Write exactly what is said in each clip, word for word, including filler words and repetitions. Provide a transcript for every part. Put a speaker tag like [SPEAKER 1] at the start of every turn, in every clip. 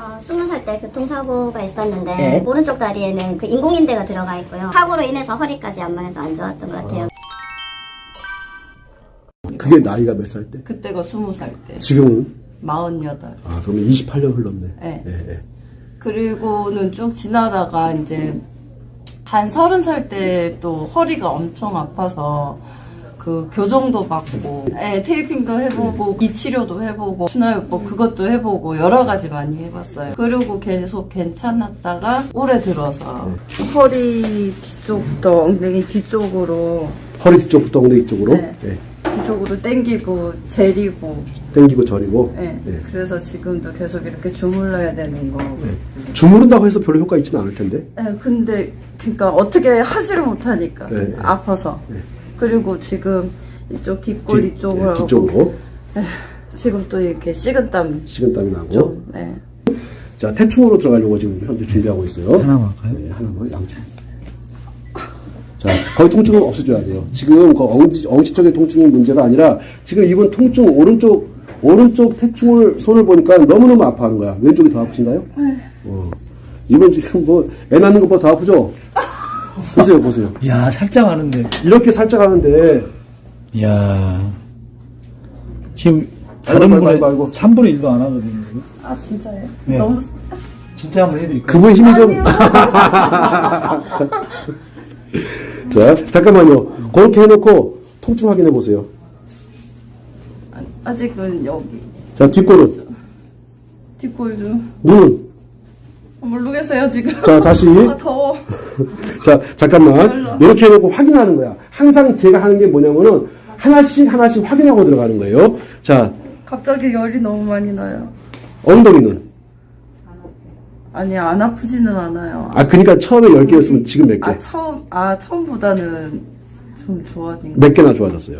[SPEAKER 1] 어, 스무 살 때 교통사고가 있었는데
[SPEAKER 2] 네.
[SPEAKER 1] 오른쪽 다리에는 그 인공인대가 들어가 있고요. 사고로 인해서 허리까지 안만 해도 안 좋았던 것 같아요.
[SPEAKER 3] 그게 나이가 몇 살 때?
[SPEAKER 4] 그때가 스무 살 때.
[SPEAKER 3] 지금은?
[SPEAKER 4] 마흔여덟.
[SPEAKER 3] 아, 그러면 이십팔 년 흘렀네.
[SPEAKER 4] 네.
[SPEAKER 3] 네, 네.
[SPEAKER 4] 그리고는 쭉 지나다가 이제 한 서른 살 때 또 허리가 엄청 아파서 그 교정도 받고, 네, 테이핑도 해보고, 이 치료도 해보고, 순환요법 그것도 해보고 여러 가지 많이 해봤어요. 그리고 계속 괜찮았다가 올해 들어서 네. 허리 뒤쪽부터 엉덩이 뒤쪽으로
[SPEAKER 3] 허리 뒤쪽부터 엉덩이 쪽으로?
[SPEAKER 4] 네.
[SPEAKER 3] 네.
[SPEAKER 4] 뒤쪽으로 당기고 재리고
[SPEAKER 3] 당기고 저리고?
[SPEAKER 4] 네.
[SPEAKER 3] 네.
[SPEAKER 4] 그래서 지금도 계속 이렇게 주물러야 되는 거.
[SPEAKER 3] 네. 주무른다고 해서 별로 효과 있지는 않을 텐데?
[SPEAKER 4] 네, 근데 그러니까 어떻게 하지를 못하니까
[SPEAKER 3] 네.
[SPEAKER 4] 아파서.
[SPEAKER 3] 네.
[SPEAKER 4] 그리고 지금 이쪽 뒷골
[SPEAKER 3] 뒤,
[SPEAKER 4] 이쪽으로
[SPEAKER 3] 네, 뒤쪽으로.
[SPEAKER 4] 네, 지금 또 이렇게 식은땀
[SPEAKER 3] 식은땀이 나고.
[SPEAKER 4] 좀, 네.
[SPEAKER 3] 자, 태충으로 들어가려고 지금 현재 준비하고 있어요.
[SPEAKER 2] 하나만 할까요?
[SPEAKER 3] 네, 하나만 양쪽. 자, 거의 통증은 없애줘야 돼요. 지금 그 엉치, 엉치적인 통증이 문제가 아니라 지금 이분 통증 오른쪽 오른쪽 태충을 손을 보니까 너무너무 아파하는 거야. 왼쪽이 더 아프신가요?
[SPEAKER 4] 네.
[SPEAKER 3] 어. 이분 지금 뭐 애 낳는 것보다 더 아프죠? 보세요, 보세요.
[SPEAKER 2] 야, 살짝 하는데.
[SPEAKER 3] 이렇게 살짝 하는데.
[SPEAKER 2] 야, 지금
[SPEAKER 3] 아이고,
[SPEAKER 2] 다른
[SPEAKER 3] 아이고,
[SPEAKER 2] 분의
[SPEAKER 3] 아이고, 아이고.
[SPEAKER 2] 삼분의 일도 안 하거든요.
[SPEAKER 4] 아 진짜요?
[SPEAKER 2] 네.
[SPEAKER 4] 너무
[SPEAKER 2] 진짜 한번 해드릴까요?
[SPEAKER 3] 그분 힘이 좀. 자, 잠깐만요. 그렇게 해놓고 통증 확인해 보세요.
[SPEAKER 4] 아, 아직은 여기
[SPEAKER 3] 자, 뒷골은.
[SPEAKER 4] 뒷골 좀
[SPEAKER 3] 눈은.
[SPEAKER 4] 모르겠어요 지금.
[SPEAKER 3] 자, 다시.
[SPEAKER 4] 아, 더워.
[SPEAKER 3] 자, 잠깐만. 이렇게 해놓고 확인하는 거야. 항상 제가 하는 게 뭐냐면은 하나씩 하나씩 확인하고 들어가는 거예요. 자,
[SPEAKER 4] 갑자기 열이 너무 많이 나요.
[SPEAKER 3] 엉덩이는.
[SPEAKER 4] 아니 안 아프지는 않아요.
[SPEAKER 3] 아, 그러니까 처음에 열 개였으면 지금 몇 개?
[SPEAKER 4] 아 처음 아 처음보다는 좀 좋아진 거.
[SPEAKER 3] 몇 개나 좋아졌어요?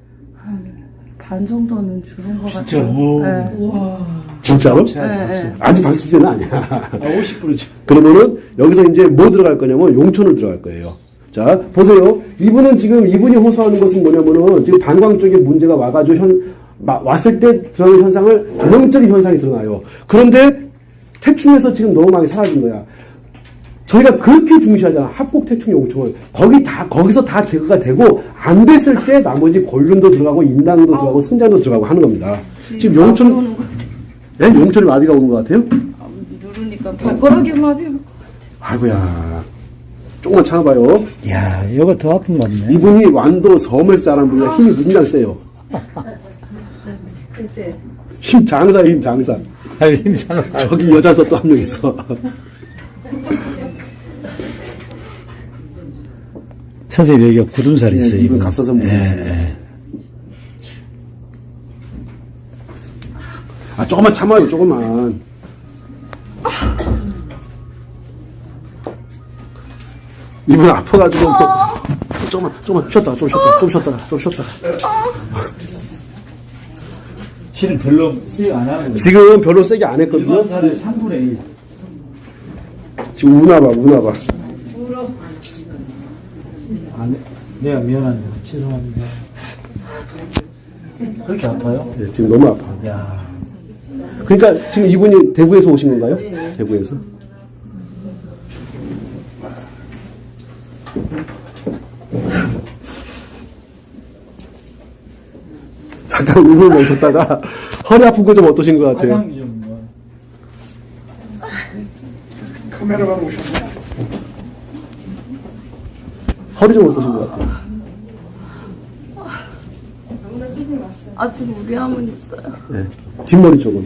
[SPEAKER 4] 반 정도는 줄은 것 같아요.
[SPEAKER 2] 진짜로?
[SPEAKER 4] 네.
[SPEAKER 2] 우와.
[SPEAKER 3] 진짜로?
[SPEAKER 4] 네, 네.
[SPEAKER 3] 아직 박수제는 아니야.
[SPEAKER 2] 아, 오십 퍼센트.
[SPEAKER 3] 그러면은 여기서 이제 뭐 들어갈 거냐면 용천을 들어갈 거예요. 자, 보세요. 이분은 지금 이분이 호소하는 것은 뭐냐면은 지금 방광 쪽에 문제가 와가지고 현, 마, 왔을 때 드러나는 현상을 전형적인 현상이 드러나요. 그런데 태충에서 지금 너무 많이 사라진 거야. 저희가 그렇게 중시하잖아. 합곡 태충 용총을. 거기 다, 거기서 다 제거가 되고, 안 됐을 때 나머지 골륜도 들어가고, 인당도 들어가고, 승자도 들어가고 하는 겁니다. 지금 용천, 네? 용천에 마비가 오는 것 같아요?
[SPEAKER 4] 아, 누르니까 발가락이 마비 올 것 같아요.
[SPEAKER 3] 아이고야. 조금만 참아봐요.
[SPEAKER 2] 야, 이거 더 아픈 것 같네.
[SPEAKER 3] 이분이 완도 섬에서 자란 분이라 힘이 무진장 세요. 힘 장사예요, 힘 장사.
[SPEAKER 2] 아유, 힘잖아.
[SPEAKER 3] 저기 여자서 또 한 명 있어.
[SPEAKER 2] 선생님, 여기가 굳은 살이 있어요.
[SPEAKER 3] 네, 이분
[SPEAKER 2] 이분.
[SPEAKER 3] 갑사선 분이
[SPEAKER 2] 예,
[SPEAKER 3] 있어요.
[SPEAKER 2] 예.
[SPEAKER 3] 아, 조금만 참아요, 조금만. 이분 아파가지고. 뭐, 조금만, 조금만 쉬었다가, 좀 쉬었다가, 좀 쉬었다가, 좀 쉬었다가.
[SPEAKER 2] 실은 별로 쓰지 안 하고.
[SPEAKER 3] 지금 별로 세게 안 했거든요.
[SPEAKER 2] 일반 살의 삼분의 일.
[SPEAKER 3] 지금 우나봐, 우나봐.
[SPEAKER 2] 아, 네. 내가 미안한데, 죄송합니다. 그렇게 아파요?
[SPEAKER 3] 네, 지금 너무 아파.
[SPEAKER 2] 야.
[SPEAKER 3] 그러니까 지금 이분이 대구에서 오신 건가요? 네. 대구에서? 잠깐 울음을 멈췄다가 허리 아픈 거 좀 어떠신 것 같아요?
[SPEAKER 2] 화장이 좀 뭐.
[SPEAKER 3] 카메라만 오셨네. 허리 좀 어떠신 것 같아요?
[SPEAKER 4] 아직 우리함은 있어요.
[SPEAKER 3] 네. 뒷머리 쪽은.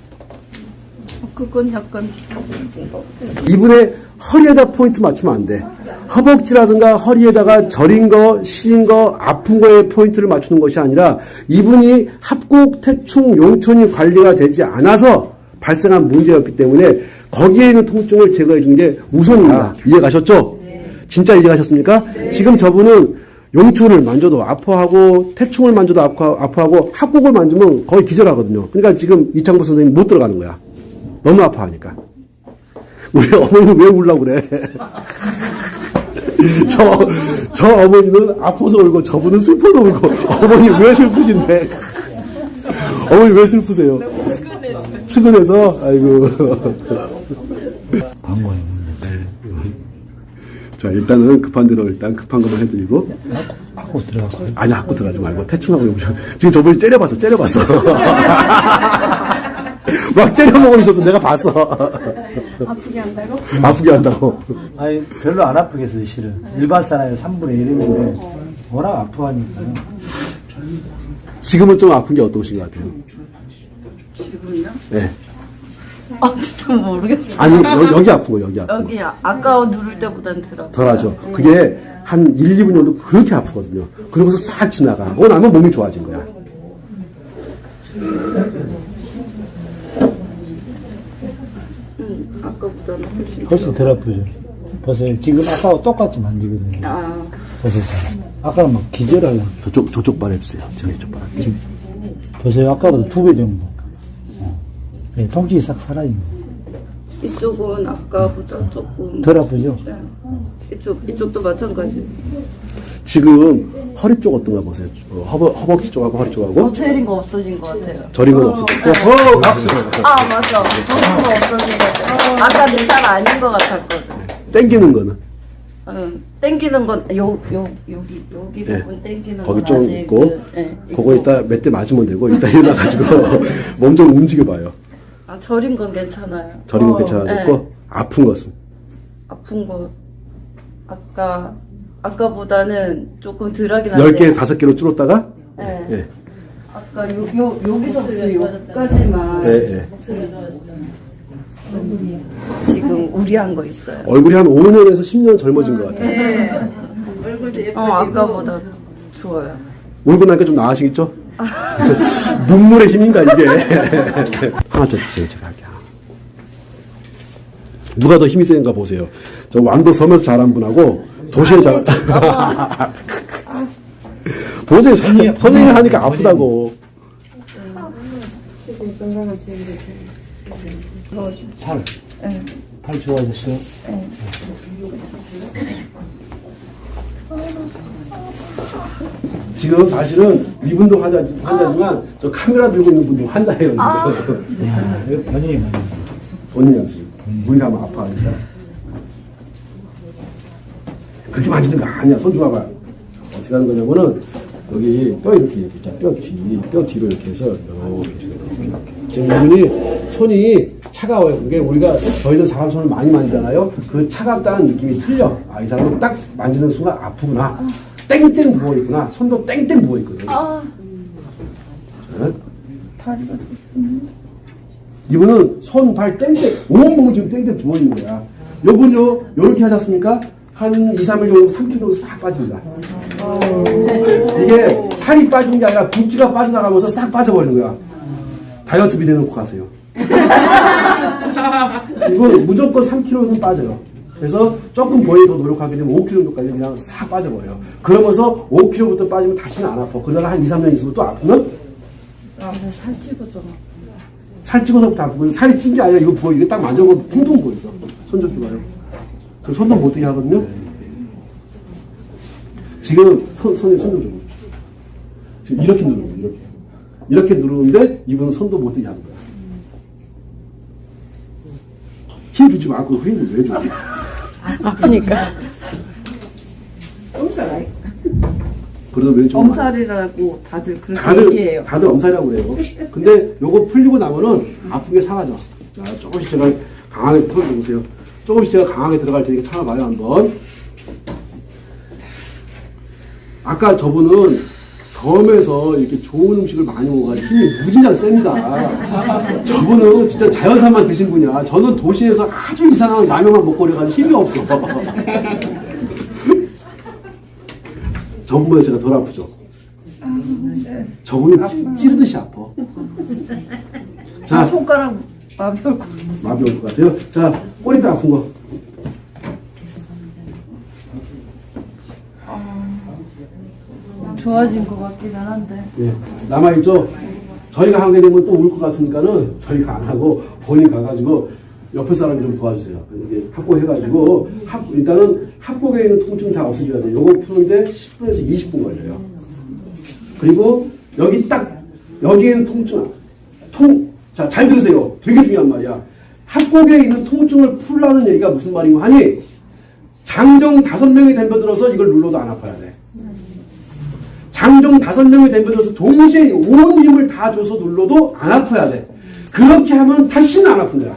[SPEAKER 4] 그건 약간
[SPEAKER 3] 이분의 허리에다 포인트 맞추면 안 돼. 허벅지라든가 허리에다가 저린 거, 시린 거, 아픈 거에 포인트를 맞추는 것이 아니라 이분이 합곡, 태충, 용천이 관리가 되지 않아서 발생한 문제였기 때문에 거기에 있는 통증을 제거해 주는 게 우선입니다. 이해 가셨죠? 네. 진짜 이해 가셨습니까? 네. 지금 저분은 용천을 만져도 아파하고 태충을 만져도 아파, 아파하고 합곡을 만지면 거의 기절하거든요. 그러니까 지금 이창부 선생님 못 들어가는 거야. 너무 아파하니까. 우리 어머니는 왜 울라고 그래? 저, 저 어머니는 아파서 울고 저분은 슬퍼서 울고 어머니 왜 슬프신데? 어머니 왜 슬프세요? 출근해서, 아이고.
[SPEAKER 2] 방법이
[SPEAKER 3] 자, 일단은 급한 대로 일단 급한 것만 해드리고.
[SPEAKER 2] 하고 들어가고.
[SPEAKER 3] 아니, 하고 들어가지 말고, 대충 하고 오셔. 지금 저번에 째려봤어, 째려봤어. 막 째려보고 있어서 내가 봤어.
[SPEAKER 5] 아프게 한다고?
[SPEAKER 3] 아프게 한다고.
[SPEAKER 2] 아니, 별로 안 아프겠어요, 실은. 일반 사람의 삼분의 일인데, 워낙 아프하니까요.
[SPEAKER 3] 지금은 좀 아픈 게 어떠신 것 같아요?
[SPEAKER 4] 지금요?
[SPEAKER 3] 네.
[SPEAKER 4] 아, 진짜 모르겠어요.
[SPEAKER 3] 아니, 여, 여기 아픈 거, 여기 아픈 거.
[SPEAKER 4] 여기 아- 아까 누를 때보단 덜 아파요.
[SPEAKER 3] 덜 하죠. 그게 한 일, 이 분 정도 그렇게 아프거든요. 그러고서 싹 지나가. 그거 나면 몸이 좋아진 거야.
[SPEAKER 4] 음, 아까보다는 훨씬.
[SPEAKER 2] 훨씬 덜 아프죠. 보세요. 지금 아까와 똑같이 만지거든요.
[SPEAKER 4] 아,
[SPEAKER 2] 보세요. 아까는 막 기절하려고.
[SPEAKER 3] 저쪽, 저쪽 발 해주세요. 제가 이쪽 발 할게요.
[SPEAKER 2] 보세요. 아까보다 두 배 정도. 어. 네, 통증이 싹 살아있는 거예요.
[SPEAKER 4] 이쪽은 아까보다 조금
[SPEAKER 2] 덜 아프죠?
[SPEAKER 4] 네. 이쪽 이쪽도 마찬가지.
[SPEAKER 3] 지금 허리 쪽 어떤가 보세요. 어, 허벅, 허벅지 쪽하고 허리 쪽하고.
[SPEAKER 4] 어체린 거 없어진 것 같아요.
[SPEAKER 3] 저린 건 없어졌고. 어, 박수.
[SPEAKER 4] 아 맞아. 저린 거 없어진 것 같아요. 아까 내 살 아닌 것 같았거든.
[SPEAKER 3] 땡기는 거는.
[SPEAKER 4] 응. 땡기는 건 요 요 여기 여기
[SPEAKER 3] 예.
[SPEAKER 4] 부분 땡기는
[SPEAKER 3] 거기
[SPEAKER 4] 건
[SPEAKER 3] 좀
[SPEAKER 4] 아직
[SPEAKER 3] 있고.
[SPEAKER 4] 그, 예,
[SPEAKER 3] 그거
[SPEAKER 4] 있고.
[SPEAKER 3] 이따 몇 대 맞으면 되고. 이따 일어나가지고 몸 좀 움직여봐요.
[SPEAKER 4] 아 저린 건 괜찮아요.
[SPEAKER 3] 저린 건
[SPEAKER 4] 어,
[SPEAKER 3] 괜찮아졌고.
[SPEAKER 4] 예.
[SPEAKER 3] 아픈 것은.
[SPEAKER 4] 아픈 거 아까 아까보다는 조금 덜하긴
[SPEAKER 3] 열
[SPEAKER 4] 한데.
[SPEAKER 3] 개, 다섯 개로 줄었다가.
[SPEAKER 4] 예.
[SPEAKER 3] 예.
[SPEAKER 4] 아까 요, 요, 여기서부터 여기까지만
[SPEAKER 3] 예, 예.
[SPEAKER 4] 지금 우리한 거 있어요.
[SPEAKER 3] 얼굴이 한 오 년에서 십 년 젊어진 것 같아요.
[SPEAKER 4] 네. 어, 아까보다 좋아요.
[SPEAKER 3] 울고 나니까 좀 나아지겠죠? 눈물의 힘인가, 이게. 하나 더 주세요, 제가 할게요. 누가 더 힘이 센가 보세요. 저 완도 섬에서 자란 분하고 도시에 자란. 보세요, 선생님, 선생님이 하니까 아프다고.
[SPEAKER 2] 팔.
[SPEAKER 4] 네.
[SPEAKER 2] 팔 좋아졌어요?
[SPEAKER 4] 네.
[SPEAKER 3] 지금 사실은 이분도 환자, 환자지만 저 카메라 들고 있는 분도 환자예요. 지금.
[SPEAKER 2] 야, 이거 본인이 맞았어요.
[SPEAKER 3] 본인이 하세요. 우리가 하면 아파하니까. 그렇게 만지는 거 아니야. 손 줘봐봐. 어떻게 하는 거냐면은, 여기 뼈 이렇게, 이렇게 있잖아. 뼈 뒤, 뼈 뒤로 이렇게 해서, 이렇게, 이렇게, 이렇게. 지금 이분이 손이 차가워요. 그게 우리가, 저희들 사람 손을 많이 만지잖아요. 그 차갑다는 느낌이 틀려. 아, 이 사람은 딱 만지는 순간 아프구나. 땡땡 부어있구나. 손도 땡땡 부어있거든.
[SPEAKER 4] 아,
[SPEAKER 3] 자,
[SPEAKER 4] 다리가
[SPEAKER 3] 이분은 손, 발 땡땡, 온몸이 지금 땡땡 부어있는 거야. 요분요, 요렇게 하지 않습니까? 한 이, 삼 일 정도 삼 킬로그램 정도 싹 빠집니다. 이게 살이 빠지는 게 아니라 붓기가 빠져나가면서 싹 빠져버리는 거야. 다이어트 비대 놓고 가세요. 이건 무조건 삼 킬로그램 빠져요. 그래서 조금 본인이 더 노력하게 되면 오 킬로그램 정도까지 그냥 싹 빠져버려요. 그러면서 오 킬로그램부터 빠지면 다시는 안 아파. 그러다가 한 이, 삼 년 있으면 또 아프면
[SPEAKER 4] 아, 살 찌고서
[SPEAKER 3] 살 찍어서부터 아프고, 살이 찐 게 아니라 이거 부어. 이게 딱 만져보면 퉁퉁 부어있어. 손 좀 줘봐요. 그 손도 못 뜨게 하거든요. 지금 손, 손에 손 좀 줘봐요. 지금 이렇게 누르는 거예요. 이렇게. 이렇게 누르는데 이분은 손도 못 뜨게 하는 거야. 힘 주지 말고 힘을 왜 줘?
[SPEAKER 5] 아프니까.
[SPEAKER 3] 그래서 왼쪽
[SPEAKER 4] 엄살이라고 다들 그렇게
[SPEAKER 3] 다들
[SPEAKER 4] 얘기해요.
[SPEAKER 3] 다들 엄살이라고 그래요. 근데 요거 풀리고 나면은 아픈 게 사라져. 자, 조금씩 제가 강하게 손 보세요. 조금씩 제가 강하게 들어갈 테니까 참아봐요 한번. 아까 저분은 섬에서 이렇게 좋은 음식을 많이 먹어가지고 힘이 무진장 셉니다. 저분은 진짜 자연산만 드신 분이야. 저는 도시에서 아주 이상한 라면만 먹고 그래가지고 힘이 없어. 저분보다 제가 덜 아프죠. 저분은 찌, 찌르듯이 아파. 자,
[SPEAKER 4] 손가락 마비 올 거.
[SPEAKER 3] 마비 올 것 같아요. 자, 꼬리뼈 아픈 거.
[SPEAKER 4] 좋아진 것 같기는 한데.
[SPEAKER 3] 예, 남아있죠? 저희가 하게 되면 또 울 것 같으니까는 저희가 안 하고 본인 가가지고 옆에 사람이 좀 도와주세요. 이렇게 확보해가지고 합, 일단은 합복에 있는 통증 다 없애줘야 돼요. 요거 푸는데 십 분에서 이십 분 걸려요. 그리고 여기 딱 여기에 있는 통증, 통, 자, 잘 들으세요. 되게 중요한 말이야. 합곡에 있는 통증을 풀라는 얘기가 무슨 말이고 하니, 장정 다섯 명이 덤벼들어서 이걸 눌러도 안 아파야 돼. 장정 다섯 명이 덤벼들어서 동시에 온 힘을 다 줘서 눌러도 안 아파야 돼. 그렇게 하면 다시는 안 아픈 거야.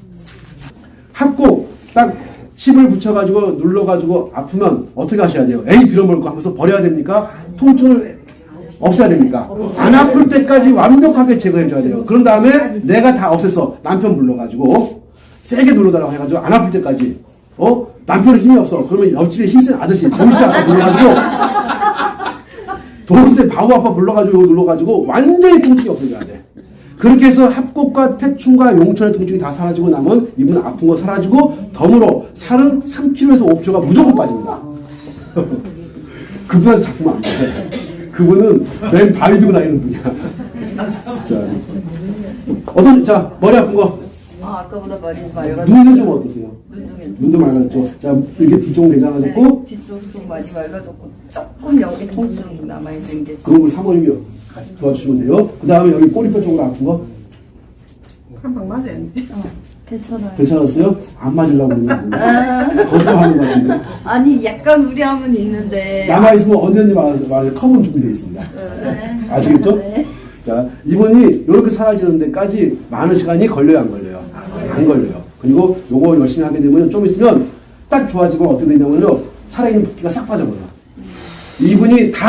[SPEAKER 3] 합곡 딱 칩을 붙여가지고 눌러가지고 아프면 어떻게 하셔야 돼요? 에이 빌어먹을 거 하면서 버려야 됩니까? 통증을 없애야 됩니까? 안 아플 때까지 완벽하게 제거해 줘야 돼요. 그런 다음에 내가 다 없앴어. 남편 불러가지고 세게 눌러달라고 해가지고 안 아플 때까지. 어? 남편은 힘이 없어. 그러면 옆집에 힘센 아저씨 동생 아빠 불러가지고 동생 바우 아빠 불러가지고 눌러가지고 완전히 통증이 없어져야 돼. 그렇게 해서 합곡과 태충과 용천의 통증이 다 사라지고 나면 이분 아픈 거 사라지고 덤으로 살은 삼 킬로그램에서 오 킬로그램가 무조건 빠집니다. 그분한테 잡히면 안 돼. 그분은 맨 바위 들고 다니는 분이야. 진짜. 어떤, 자, 머리 아픈 거.
[SPEAKER 4] 아, 아까보다 많이 맑아졌고.
[SPEAKER 3] 눈은 좀 어떠세요?
[SPEAKER 4] 눈도 괜찮아요.
[SPEAKER 3] 눈도 맑아졌죠? 자, 이렇게 뒤쪽은 괜찮아졌고.
[SPEAKER 4] 네, 뒤쪽도 많이 맑아졌고 조금 여기 통증 남아있는 게
[SPEAKER 3] 그런 걸 사모님이 같이 도와주시면 돼요. 그 다음에 여기 꼬리뼈 쪽으로 아픈 거.
[SPEAKER 4] 한방 맞아요. 어, 괜찮아요.
[SPEAKER 3] 괜찮았어요? 안 맞으려고 그러는데. 거짓말하는 것 같은데.
[SPEAKER 4] 아니 약간 우려함은 있는데
[SPEAKER 3] 남아있으면 언제든지 말해서, 말해서 컴은 준비되어 있습니다.
[SPEAKER 4] 네.
[SPEAKER 3] 아시겠죠?
[SPEAKER 4] 네.
[SPEAKER 3] 자, 이분이 이렇게 사라지는 데까지 많은 시간이 걸려요, 안 걸려요? 안 걸려요. 그리고 요거 열심히 하게 되면 좀 있으면 딱 좋아지고 어떻게 되냐면요. 살아있는 붓기가 싹 빠져버려요. 이분이 다